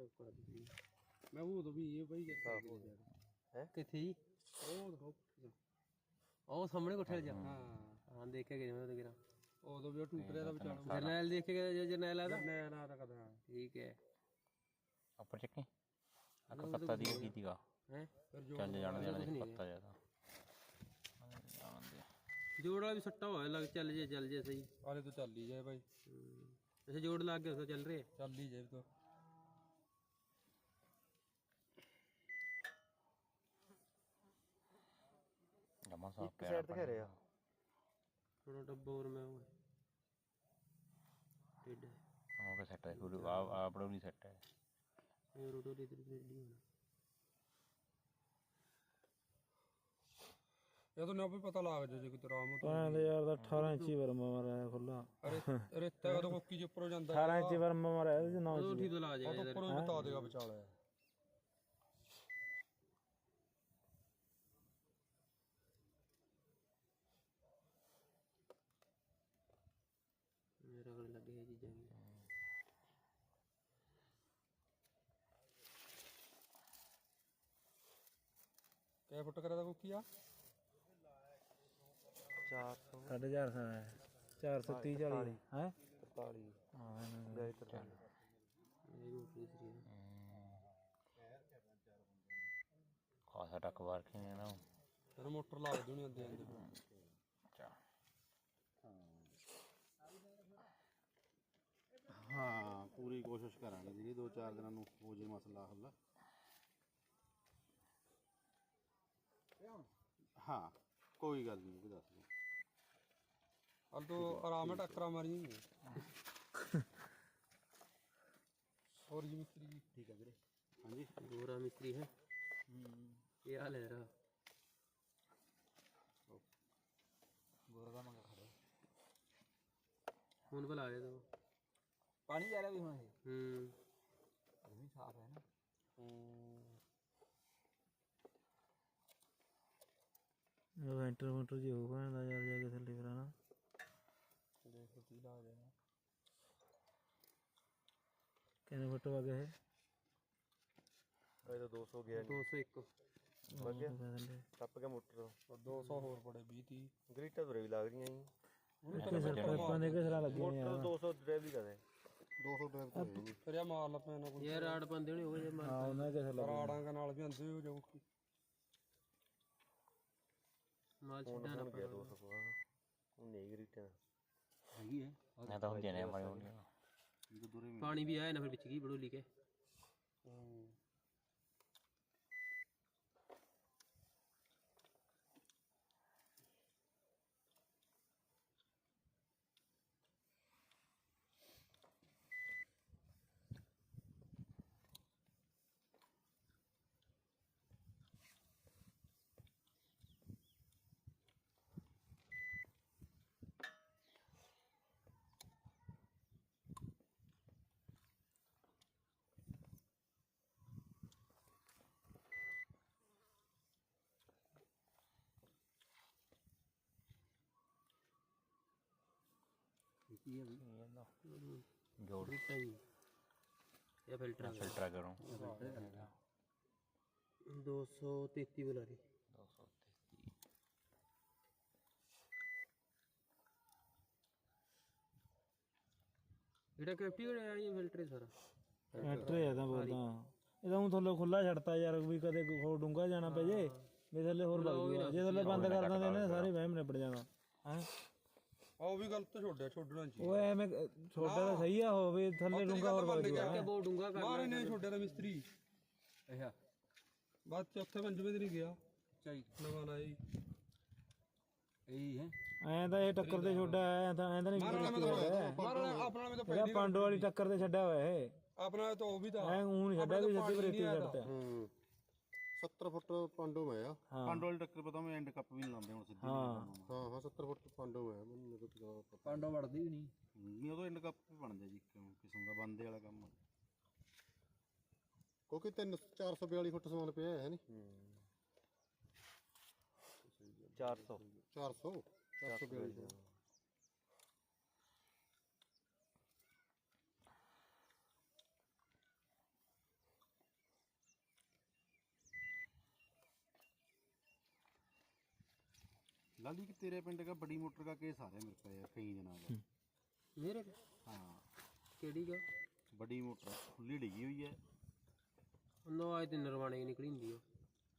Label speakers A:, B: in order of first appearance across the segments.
A: मैं वो तो भी ये भाई है किथे जी ਉਹ ਸਾਹਮਣੇ ਕੋਠੇ ਜਾ ਹਾਂ ਦੇਖ ਕੇ ਗਏ ਮੈਂ ਉਹਦੇ ਗਿਰਾ ਉਦੋਂ ਵੀ ਉਹ ਟੁੱਟ ਰਿਹਾ ਦਾ ਵਿਚਾਲੋ ਜਰਨੈਲ ਦੇਖ ਕੇ ਗਏ ਜਰਨੈਲ ਆਦਾ ਜਰਨੈਲ ਆਦਾ ਕਦਾ ਠੀਕ ਹੈ
B: ਉੱਪਰ ਚੱਕੇ ਆ ਪੱਤਾ ਦੀ ਕੀ ਦੀਗਾ ਹੈ ਚੱਲ ਜਾਣ ਦੇ ਪੱਤਾ ਜਿਆਦਾ
A: ਜੋੜ ਵਾਲਾ ਵੀ ਸੱਟਾ ਹੋਇਆ ਲੱਗ ਚੱਲ ਜੇ ਸਹੀ
C: ਆਲੇ ਤੋਂ ਚੱਲ ਹੀ ਜਾਏ ਭਾਈ
A: ਅੱਛਾ ਜੋੜ ਲੱਗ ਗਿਆ ਉਹ ਚੱਲ ਰਿਹਾ
C: ਚੱਲ ਹੀ ਜਾਏ ਤੋ
B: ਜਮਾ ਸਾਫ
C: ਇੱਕ ਸਾਈਡ ਤੇ ਘੇਰੇ ਆ
A: ਥੋੜਾ ਡੱਬਾ ਹੋਰ ਮੈਂ ਉਹ ਟਿੱਡ
B: ਉਹ ਸੈੱਟ ਹੈ ਪੂਰੀ ਆਪੜਾ ਨਹੀਂ ਸੈੱਟ ਹੈ
A: ਇਹ ਰੋਟੋ ਦੇ ਤੇ ਨਹੀਂ ਹੋਣਾ
C: ਇਹ ਤਾਂ ਨਾ ਵੀ ਪਤਾ ਲੱਗ ਜਾ ਜੇ ਕਿ ਤੇਰਾ ਆਮ
D: ਪਾਣ ਯਾਰ ਦਾ 18 ਇੰਚੀ ਵਰਮਾ ਮਾਰਿਆ ਖੁੱਲਾ
C: ਅਰੇ ਰੇਤਾ ਉਹ ਕੋਕੀ ਜੇ ਉੱਪਰੋਂ ਜਾਂਦਾ
D: 18 ਇੰਚੀ ਵਰਮਾ ਮਾਰਿਆ ਇਹਦੇ 9
A: ਉਹ ਠੀਕ ਤੋਂ ਲਾ ਜਾਏਗਾ
C: ਉਹ ਉੱਪਰੋਂ ਬਤਾ ਦੇਗਾ ਵਿਚਾਲੇ
A: ਮੇਰਾ ਕੋਲ ਲੱਗੇ ਇਹ ਚੀਜ਼ਾਂ ਵੀ
C: ਕਿਹ ਫੁੱਟ ਕਰਾ ਦਾ ਕੋਕੀ ਆ
D: 400 450 ਹੈ 430 40 ਹੈ
C: 43
D: ਹਾਂ
C: ਗਏ 43
A: ਇਹ ਰੋਟੀ ਸਰੀ
B: ਖਾਸਾ ਟੱਕ ਵਾਰ ਖੇਨੇ ਨਾ
C: ਫਿਰ ਮੋਟਰ ਲਾ ਦੇਣੀ ਆਂਦੇ
B: ਅੱਛਾ
E: हाँ पूरी कोशिश करांगे जी 2-4 दिन हो जाए मसला हल हाँ कोई गल नहीं कोई दस नहीं
C: हल तो आराम है टक्करा मारी और जी मिस्त्री जी
E: ठीक है वीरे हाँ जी
A: गोरा मिस्त्री है ये हाल है रहा
C: गोरा का मंगा खड़े
A: फोन पर ला रहे तो
C: पानी जा रहा भी वहाँ से
A: अभी
C: साफ है ना
D: ਵੈਂਟਰ ਮੋਟਰ ਜੀ ਹੋ ਗਿਆ ਯਾਰ ਜਾ ਕੇ ਥੱਲੇ ਫਿਰ ਨਾ
C: देखो तीला आ जाएगा
D: ਕਿੰਨੇ ਫੁੱਟ ਵਗ ਗਏ
C: ये तो 200 गया
A: 201
C: लग गया
D: ਥੱਲੇ
C: टप के मोटर और 200 और पड़े 20 30 ग्रीटा तो भी लग रही हैं
D: ਇੱਥੇ ਸਰਪੰਚਾਂ ਦੇ ਘਸਰਾ ਲੱਗੇ ਨੇ ਯਾਰ
C: 200 ड्राइव ही करे
E: 200 ड्राइव तो है जी
C: फिर यार मार ला पैना कोई
A: यार आड़ बंदे नहीं हो जाए
D: ਹਾਂ ਉਹਨਾਂ ਦੇ ਘਸਰਾ ਲੱਗੇ
C: राड़ा के नाल भी आंदे हो जाओ की
A: माल छड्डा ना
C: गया 200 को हां नहीं ग्रीटा
E: हैगी है
B: ਮੈਂ ਤਾਂ ਹੁਣ ਜਨੇ ਮਾਰੇ ਹੁੰਦੇ
E: ये तो दूरे में
A: पानी भी आया ना फिर बिच गई बड़ोली के
B: ਜੋੜ
A: रीटा जी या फिल्टर
B: ਫਿਲਟਰ ਕਰੋ
A: 233 बुला रही
B: 233
A: एटा कैप्टी हो रहा है ये फिल्टर है सारा
D: ਟਰੈਕਟਰ ਹੈ ਤਾਂ ਬੋਲਦਾ ਇਹਦਾ ਹੁਣ ਥੱਲੇ ਖੁੱਲਾ ਛੱਡਤਾ ਯਾਰ ਵੀ ਕਦੇ ਹੋਰ ਡੂੰਗਾ ਜਾਣਾ ਪੈ ਜੇ ਵੀ ਥੱਲੇ ਹੋਰ ਵਗ ਜੂਗਾ ਜੇ ਥੱਲੇ ਬੰਦ ਕਰ ਦਿੰਦੇ ਨੇ ਸਾਰੇ ਵਹਿਮ ਨਿਬੜ ਜਾਣਾ ਹੈ
C: ਉਹ ਵੀ ਗਲਤ ਛੋੜਿਆ ਛੋੜਨਾ ਚਾਹੀਦਾ
D: ਉਹ ਐਵੇਂ ਛੋਟਾ ਤਾਂ ਸਹੀ ਆ ਹੋਵੇ ਥੱਲੇ ਡੂੰਗਾ ਹੋਰ ਵਗ ਜੂਗਾ
A: क्या बहुत डूंगा कर
C: ਮਾਰੇ ਨੇ ਛੋੜਿਆ ਦਾ ਮਿਸਤਰੀ ਅੱਛਾ ਬਾਅਦ ਚੌਥੇ ਪੰਜਵੇਂ ਦਿਨ ਹੀ ਗਿਆ ਚਾਈ ਨਵਾਂ ਲਾਇਆ ਜੀ ਇਹੀ ਹੈ
D: ਐਂ ਤਾਂ ਇਹ ਟੱਕਰ ਤੇ ਛੋਡਾ ਐ ਤਾਂ ਨਹੀਂ
C: ਮਾਰਨਾ ਆਪਣਾ ਵੀ ਤਾਂ
D: ਇਹਦਾ ਪਾਂਡੋ ਵਾਲੀ ਟੱਕਰ ਤੇ ਛੱਡਿਆ ਹੋਇਆ ਇਹ
C: ਆਪਣਾ ਤਾਂ ਉਹ ਵੀ ਤਾਂ
D: ਐ ਊਂ ਨਹੀਂ ਛੱਡਿਆ ਵੀ ਸਿੱਧੀ ਬਰੇਤੀ ਛੱਡਦਾ
E: 70 फुट पांडो में है पांडो वाली टक्कर पता मैं एंड कप भी नहीं लाते हूं सीधी हां हां 70 फुट पांडो में है मेरे को तो
C: ਪਾਂਡੋ ਵੜਦੀ ਵੀ ਨਹੀਂ
E: नहीं वो तो एंड कप भी बन जाए जी किस्म का बंदे वाला काम क्योंकि 442 फुट समान पे है नहीं
C: 400
E: 400 442 लाली कि तेरे पिंड का बड़ी मोटर का केस आ रहा है मेरे को यार कई दिनों का।
A: ਮੇਰੇ
E: हाँ
A: ਕਿਹੜੀ ਗਾ
E: बड़ी मोटर खुली डिगी हुई है
A: ਉਹਨਾਂ ਆਏ ਤੇ ਨਰਵਾਣੇ ਨਿਕਲੀ ਹੁੰਦੀ ਆ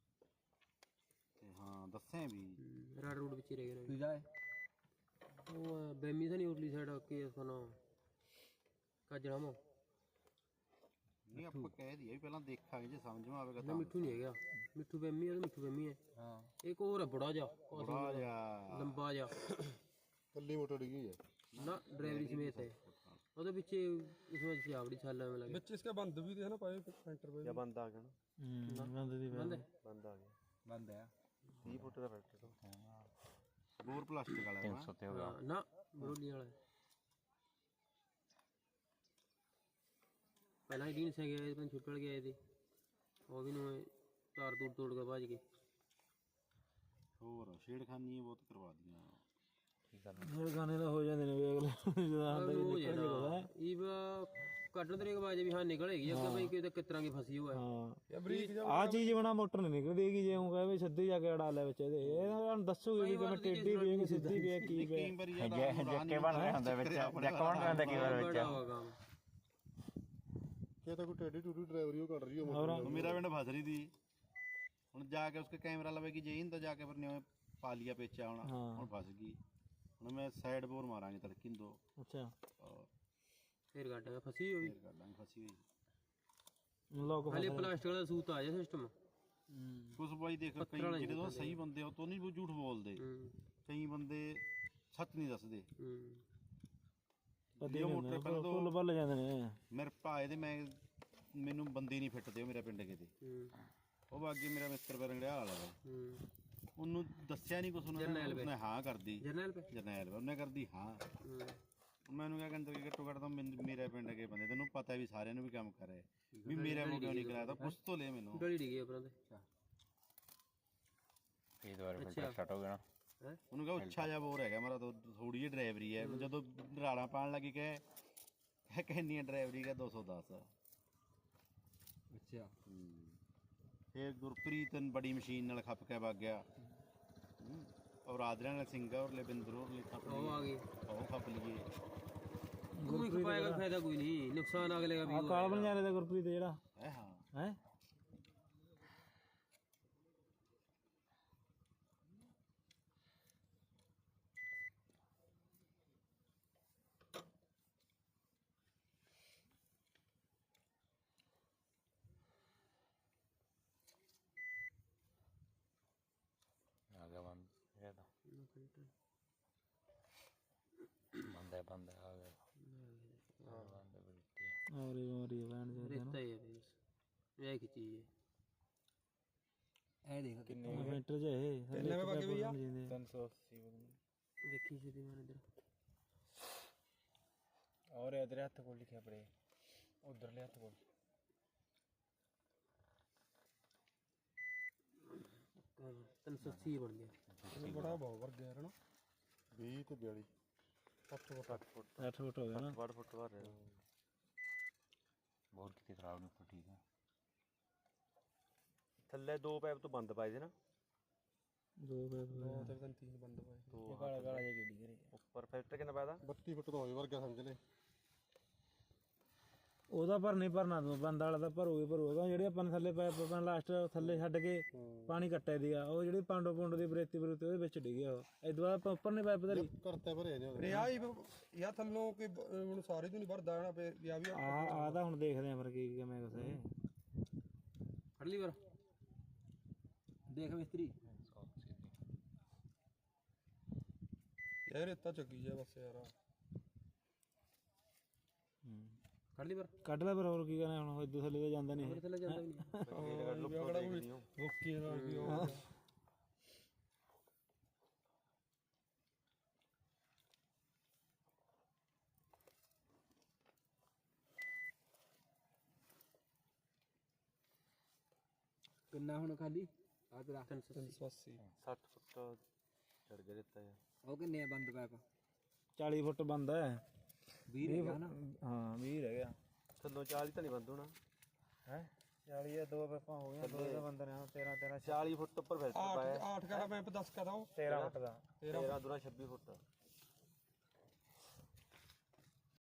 E: ते हाँ दसें भी
A: ਰਾੜ ਰੂੜ ਵਿੱਚ ਹੀ ਰਹਿ ਗਏ
C: ਤੂੰ ਜਾਏ
A: ਉਹ ਬੈਮੀ ਤਾਂ ਨਹੀਂ ਉਰਲੀ ਸਾਈਡ ਕੇਸ ਸੁਣਾ ਕਾਜਣਾ ਮੋ
E: नहीं आप कह दिया भी पहला देखा जे समझ में आवेगा
A: ਨਾ ਮਿੱਠੂ ਨਹੀਂ ਹੈਗਾ ਮਿੱਠੂ ਬੈਮੀ ਆ ਤੇ ਮਿੱਠੂ ਬੈਮੀ ਹੈ
C: ਹਾਂ
A: ਇੱਕ ਹੋਰ ਹੈ ਬੜਾ ਜਾ
E: बड़ा जा
A: ਲੰਬਾ ਜਾ
E: कल्ली मोटर डिगी हुई है
A: ਨਾ ਡਰਾਈਵਰੀ ਸਮੇਤ ਹੈ ਉਹਦੇ ਪਿੱਛੇ ਇਸ ਵਿੱਚ ਸਿਆਵੜੀ ਛਾਲਾ ਐਵੇਂ ਲੱਗੇ
C: ਵਿੱਚ ਇਸਕੇ ਬੰਦ ਵੀ थे ना पाए सेंटर पे
E: या बंद आ गया ना
D: ਬੰਦ ਦੀ
A: ਬੰਦ ਹੈ
E: बंद आ गया
C: बंद है
E: 30 फुट का फैक्ट्री तो बोर प्लास्टिक वाला है
B: 300 ਤੇ ਹੋ ਗਿਆ
A: ਹਾਂ, ਨਾ ਬਰੋਲੀ ਵਾਲਾ ਹੈ। ਪਹਿਲਾਂ ਹੀ ਸੇ ਗਏ ਪਰ ਛੁੱਟਲ ਗਏ ਤੇ ਉਹ ਵੀ ਨੂੰ ਤਾਰ ਤੂਰ ਤੋੜ ਕੇ ਭੱਜ ਗਏ
E: और छेड़खानी बहुत करवा दिया
B: ਕੀ ਕਰਨਾ
D: ਜਿਹੜੇ ਗਾਣੇ ਦਾ ਹੋ ਜਾਂਦੇ ਨੇ ਵੀ ਅਗਲੇ ਜਦੋਂ ਆਉਂਦਾ ਵੀ
A: ਉਹ
D: ਨਿਕਲ ਜਾਂਦਾ
A: ਇਹ ਕੱਢਣ ਤਰੀਕ ਬਾਅਦ ਵੀ ਹਾਂ ਨਿਕਲੇਗੀ ਅੱਗੇ ਬਈ ਕਿ ਕਿਸ ਤਰ੍ਹਾਂ ਦੀ ਫਸੀ ਹੋਇਆ
D: ਹਾਂ
C: या ब्रिज
D: ਆ ਚੀਜ਼ ਬਣਾ ਮੋਟਰ ਨਹੀਂ ਨਿਕਲਦੀਗੀ ਜੇ ਉਹ ਕਹੇ ਵੀ ਸਿੱਧੀ ਜਾ ਕੇ ਅੜਾ ਲੈ ਵਿੱਚ ਇਹਦੇ ਇਹ ਤੁਹਾਨੂੰ ਦੱਸੂਗੀ ਵੀ ਕਿਵੇਂ ਟੇਢੀ ਵੀ ਹੈ ਕਿ ਸਿੱਧੀ ਵੀ ਹੈ ਕੀ ਵੀ ਹੈ
E: कई बार यार
B: ਜੱਕੇ ਬਣ ਰਹੇ ਹੁੰਦੇ ਵਿੱਚ ਜੱਕ ਬਣ ਰਹੇ ਹੁੰਦੇ ਕਈ ਵਾਰ ਵਿੱਚ
A: ਬੜਾ ਹੋਗਾ ਕੰਮ
E: ये तो कोई टेढ़ी टूटी ड्राइवरी कर रही हो तो मेरा पिंड फस रही थी हुन जाके उसके कैमरा लवेगी जे इंदा जाके पर ने पा लिया पेचा हुन फस गई हुन मैं साइड बोर मारांगे तड़की दो
D: ਅੱਛਾ
E: और
A: ਫੇਰ ਕੱਢ ਕੇ ਫਸੀ ਹੋਈ
E: फिर कर लांगे फसी हुई
D: ਲੋਕ
A: ਹਲੇ ਪਲਾਸਟਿਕ ਦਾ ਸੂਤ ਆ ਜਾ ਸਿਸਟਮ
E: कुछ भाई देखो कई जेडे तो सही बंदे हो तो नहीं वो झूठ बोलते कई बंदे सच नहीं दसदे
D: ਪਤੀ
E: ਉਹ ਮੋਟਰ ਪਹਿਲਾਂ ਤੋਂ
D: ਫੁੱਲ ਭੱਲ ਜਾਂਦੇ ਨੇ
E: ਮੇਰੇ ਭਾਏ ਦੇ ਮੈਨੂੰ ਬੰਦੇ ਨਹੀਂ ਫਿੱਟਦੇ ਉਹ ਮੇਰਾ ਪਿੰਡ ਕਿਤੇ ਉਹ ਬਾਕੀ ਮੇਰਾ ਮਿੱਤਰ ਬਰੰਗੜਿਆ ਵਾਲਾ ਵਾ ਉਹਨੂੰ ਦੱਸਿਆ ਨਹੀਂ ਕੁਛ ਉਹਨੇ ਹਾਂ ਕਰਦੀ
A: ਜਰਨਲ ਪੇ
E: ਜਰਨੈਲ ਉਹਨੇ ਕਰਦੀ ਹਾਂ ਮੈਨੂੰ ਕਿਹਾ ਕਹਿੰਦਾ ਕਿ ਘੱਟੋ ਘੱਟ ਤਾਂ ਮੇਰੇ ਪਿੰਡ ਕੇ ਬੰਦੇ ਤੈਨੂੰ ਪਤਾ ਵੀ ਸਾਰਿਆਂ ਨੂੰ ਵੀ ਕੰਮ ਕਰੇ ਵੀ ਮੇਰੇ ਮੂੰਹ ਕਿਉਂ ਨਹੀਂ ਕਰਾਇਆ ਤਾਂ ਪੁੱਛ ਤੋਂ ਲੈ ਮੈਨੂੰ
A: ਗਲੀ ਡਿੱਗੀ ਆਪਣਾ ਤੇ
B: ਫੇਰ ਦੁਬਾਰਾ ਫਿਲਟਰ ਸਟਾਰਟ ਹੋ ਗਿਆ ਨਾ
E: ਉਹਨੂੰ ਕਹਾ ਉੱਚਾ ਜਿਹਾ ਬੋਰ ਹੈਗਾ ਮੇਰਾ ਤਾਂ ਥੋੜੀ ਜਿਹੀ ਡਰਾਈਵਰੀ ਹੈ ਜਦੋਂ ਰਾਲਾਂ ਪਾਣ ਲੱਗੀ ਕਹੇ ਕਿੰਨੀ ਡਰਾਈਵਰੀ ਕਾ 210
C: अच्छा
E: ਫਿਰ ਗੁਰਪ੍ਰੀਤ ਬੜੀ ਮਸ਼ੀਨ ਨਾਲ ਖੱਪ ਕੇ ਵਗ ਗਿਆ ਔਰ ਆਦਰਿਆਂ ਨਾਲ ਸਿੰਘਾ ਔਰ ਲਵਿੰਦਰ ਔਰ ਲਈ ਖੱਪ
A: ਉਹ ਆ ਗਈ
E: ਉਹ ਖੱਪ ਲਈਏ
A: ਕੋਈ ਖਪਾਏਗਾ ਫਾਇਦਾ ਕੋਈ ਨਹੀਂ ਨੁਕਸਾਨ ਅਗਲੇ ਦਾ ਵੀ
D: ਆ ਕਾਲ ਬਣ ਜਾਣੇ ਦਾ ਗੁਰਪ੍ਰੀਤ ਜਿਹੜਾ
E: ਹੈ ਹਾਂ
D: ਹੈ
B: ਆ ਗਿਆ ਬੰਦ ਇਹ ਤਾਂ ਬੰਦ ਆ ਗਿਆ ਬੰਦ ਬਿਲਤੀ
D: ਔਰੀ ਔਰੀ ਬਣ ਜਾਂਦੇ
A: ਰੇਤਾ ਹੀ ਹੈ ਬਸ ਇਹ ਕੀ ਚੀਜ਼ ਹੈ
C: ए देख कितने
D: ਮਿੰਟਰ ਜੇ ਇਹ
C: ਕਿੰਨੇ ਵੇ ਬਾਕੀ ਭਈਆ?
B: 380
A: ਦੇਖੀ ਸੀ ਮੈਂ ਇਧਰ
B: और इधर हाथ को लिखा पड़े उधर ले हाथ को
A: 380 ਬਣ ਗਿਆ
C: बड़ा बहुत वर्ग है ना
E: 20 ਤੇ 42
D: 8 ਫੁੱਟ ਹੋ ਗਿਆ ਨਾ
E: 8 ਫੁੱਟ ਬਾਹਰ
B: बहुत कितनी खराब नहीं पर ठीक है
E: ਥੱਲੇ ਦੋ ਪਾਈਪ ਤੋਂ ਬੰਦ ਪਾਏ ਦੇ ਨਾ
D: ਦੋ ਪੈਪ
C: दो तीन तीन बंद हुए
D: ਇਹ ਕਾਲਾ ਕਾਲਾ ਜਿਹਾ ਕਿਹੜੀ ਕਰੀ
E: ਉੱਪਰ ਫੈਕਟਰ ਕਿੰਨਾ ਪਾਇਆ 32 ਫੁੱਟ ਤੋਂ ਹੋਈ ਵਰਗਾ ਸਮਝ ਲੈ
D: ਉਹਦਾ ਭਰ ਨਹੀਂ ਭਰਨਾ ਤੂੰ ਬੰਦ ਵਾਲਾ ਤਾਂ ਭਰੂਗਾ ਜਿਹੜੇ ਆਪਾਂ ਨੇ ਥੱਲੇ ਪਾਈਪ ਆਪਾਂ ਲਾਸਟ ਥੱਲੇ ਛੱਡ ਕੇ ਪਾਣੀ ਕੱਟਿਆ ਦੀਆ ਉਹ ਜਿਹੜੀ ਪਾਂਡੋ ਦੀ ਬਰੇਤੀ ਉਹਦੇ ਵਿੱਚ ਡਿੱਗਿਆ ਉਹ ਇਦੋਂ ਬਾਅਦ ਆਪਾਂ ਉੱਪਰ ਨਹੀਂ ਪਾਈਪ ਧਰੀ
E: ਕਰਤੇ ਭਰੇ ਨੇ
C: अरे या थल्लों के हुन सारे तो नहीं भरदा ना पे या भी
D: ਆ ਤਾਂ ਹੁਣ ਦੇਖਦੇ ਆਂ ਫਿਰ ਕੀ ਕਿਵੇਂ ਕੁਛ
A: ਫੜ ਲਈ ਵਾਰ ਦੇਖ ਮਿਸਤਰੀ
C: यार इतना चकी है बस यार
A: ਫੜ ਲਈ ਵਾਰ
D: ਕੱਢ ਲੈ ਫਿਰ ਹੋਰ ਕੀ ਕਰਨਾ ਹੁਣ ਇਦੋਂ ਥੱਲੇ ਤਾਂ ਜਾਂਦਾ ਨਹੀਂ
A: ਥੱਲੇ ਜਾਂਦਾ ਵੀ ਨਹੀਂ
C: भुक्की नाल भी हो किन्ना हुन खाली आ तेरा 380
E: 60 ਫੁੱਟ ਚੜ ਗਿਆ ਦਿੱਤਾ ਹੈ
C: ਉਹ ਕਿੰਨੇ ਬੰਦ ਪੈਪ
D: 40 ਫੁੱਟ ਬੰਦ ਹੈ
C: 20 ਰਹਿ ਗਿਆ ਨਾ
D: ਹਾਂ 20 ਰਹਿ ਗਿਆ
E: ਥੱਲੋਂ 40 ਤਾਂ ਨਹੀਂ ਬੰਦ ਹੋਣਾ
D: ਹੈ 40 ਜਾਂ 2 ਪੈਪਾਂ ਹੋ ਗਈਆਂ, 2 ਬੰਦੇ ਨੇ 13 40 ਫੁੱਟ ਉੱਪਰ ਫਿਲਟਰ ਪਾਇਆ।
C: 8 ਕਾ ਪੈਂਪ 10 ਕਾ ਦਾ
D: 13 ਫੁੱਟ ਦਾ
C: 13
D: ਦੂਰਾ 26 ਫੁੱਟ